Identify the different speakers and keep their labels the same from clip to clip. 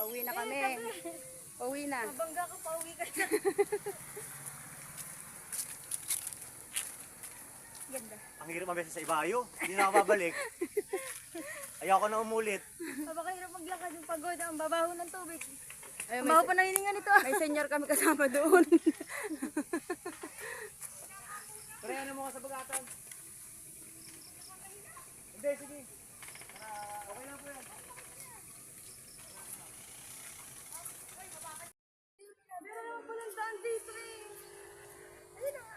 Speaker 1: Pauwi na kami. Pauwi na.
Speaker 2: Mabangga ka, pauwi ka na. Ganda.
Speaker 3: Ang hirap mabesa sa ibayo. Hindi na ako babalik. Ayaw ko na umulit.
Speaker 2: Mabakahirap maglakad yung pagod. Ang babaho ng tubig.
Speaker 1: Ay,
Speaker 2: Ang baho pa nahiningan nito.
Speaker 1: may senior kami kasama doon.
Speaker 3: Pero ano mo ka sa bagatan? Hindi, sige. Okay lang po yan.
Speaker 2: Meron pa lang daan dito eh. Ayun na nga.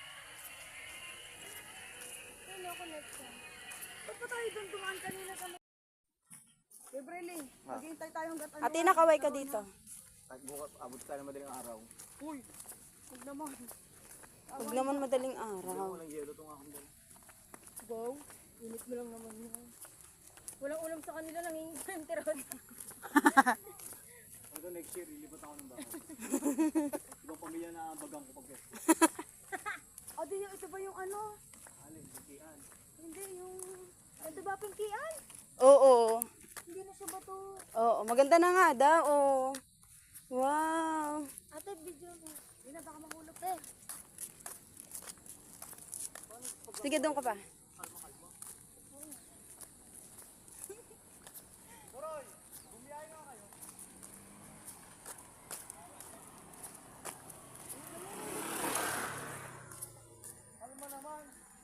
Speaker 2: Ayun ako next time. Ba't pa tayo doon dumaan kanina kami?
Speaker 1: Gabrieli, maghihintay tayo hanggat ano.
Speaker 2: Ate, nakaway ka dito.
Speaker 3: At bukas, abot tayo ng madaling araw.
Speaker 1: Uy, huwag naman.
Speaker 2: Huwag naman madaling araw.
Speaker 3: Walang yelo itong akong dala.
Speaker 2: Wow, init mo lang naman yun. Walang ulam sa kanila, nangingitim tirod.
Speaker 3: Hanggang next year, lilipat ako ng bahay. Ibang pamilya na bagang ko pag
Speaker 2: Ate, ito ba yung ano?
Speaker 3: alin, butian.
Speaker 2: Hindi, yung... Ito ba pingkian?
Speaker 1: Oo.
Speaker 2: Hindi na siya bato.
Speaker 1: Oo, maganda na nga daw. Oo. Wow.
Speaker 2: Ate, video mo. Hindi na, baka mahulog eh.
Speaker 1: Sige, doon ka pa.
Speaker 3: Toroy, bumiyahin na kayo. Ano mo naman?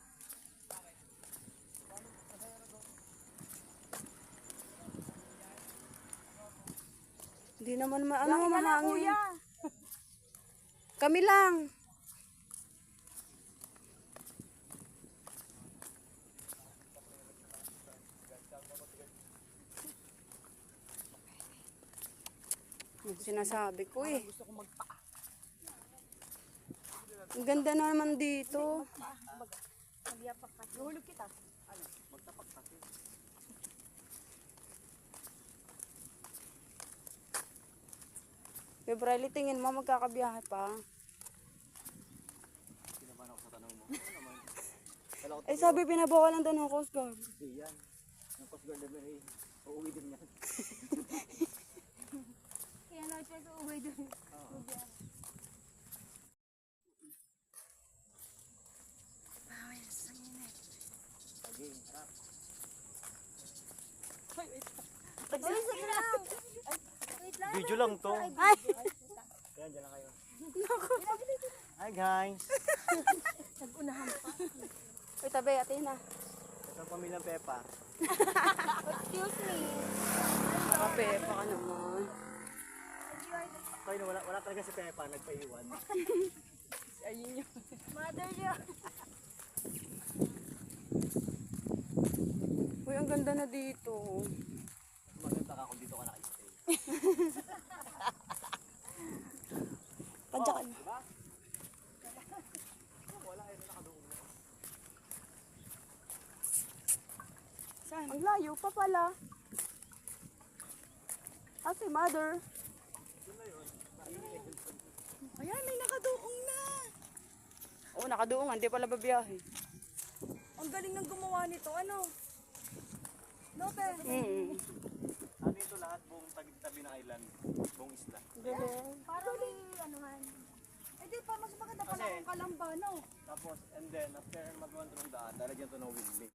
Speaker 1: Hindi naman ano
Speaker 2: Wala,
Speaker 1: mahangin.
Speaker 2: kuya.
Speaker 1: Kami lang. Yung sinasabi ko eh.
Speaker 3: Gusto ko magpaa.
Speaker 1: Ang ganda naman dito.
Speaker 2: Magyapak ka. Nahulog kita.
Speaker 3: Ano? Magtapak kasi.
Speaker 1: February, tingin mo magkakabiyahe pa.
Speaker 3: Pinaban ako sa tanong mo. Ano naman? Kala ko
Speaker 1: Eh sabi pinabawalan daw ng Coast Guard.
Speaker 3: hindi yan. Yung Coast Guard na eh. Uuwi din yan.
Speaker 2: Kaya na siya sa uwi doon.
Speaker 3: Sige, harap.
Speaker 2: Uy, sige lang. Wait lang.
Speaker 3: Video lang to.
Speaker 1: Ay!
Speaker 3: Yan, dyan lang kayo. Hi guys!
Speaker 2: Nag-unahan pa.
Speaker 1: Uy, tabi, ate na.
Speaker 3: Ito ang pamilyang Pepa.
Speaker 2: Excuse me.
Speaker 1: Kape, baka naman.
Speaker 3: Kayo, wala talaga si Pepa, nagpaiwan.
Speaker 1: Ayun yun.
Speaker 2: Mother niya.
Speaker 1: Uy, ang ganda na dito.
Speaker 3: Maganda ka kung dito ka naka-stay.
Speaker 1: Padya ka na.
Speaker 3: Diba? Wala kayo na nakadoon na.
Speaker 1: Saan? Ang layo pa pala. Ah, si mother. Ayan, may nakaduong na. Oo, nakaduong. Hindi pala babiyahe.
Speaker 2: Ang galing ng gumawa nito. Ano? Note.
Speaker 3: Ano ito lahat buong tabi ng island, buong isla.
Speaker 1: Galing.
Speaker 2: Parang may anuhan. Eh di pa, mas maganda pala
Speaker 3: Kasi-
Speaker 2: kung kalamba, no?
Speaker 3: Tapos, and then, after mag-1 ng daan, lalagyan ito ng windmill.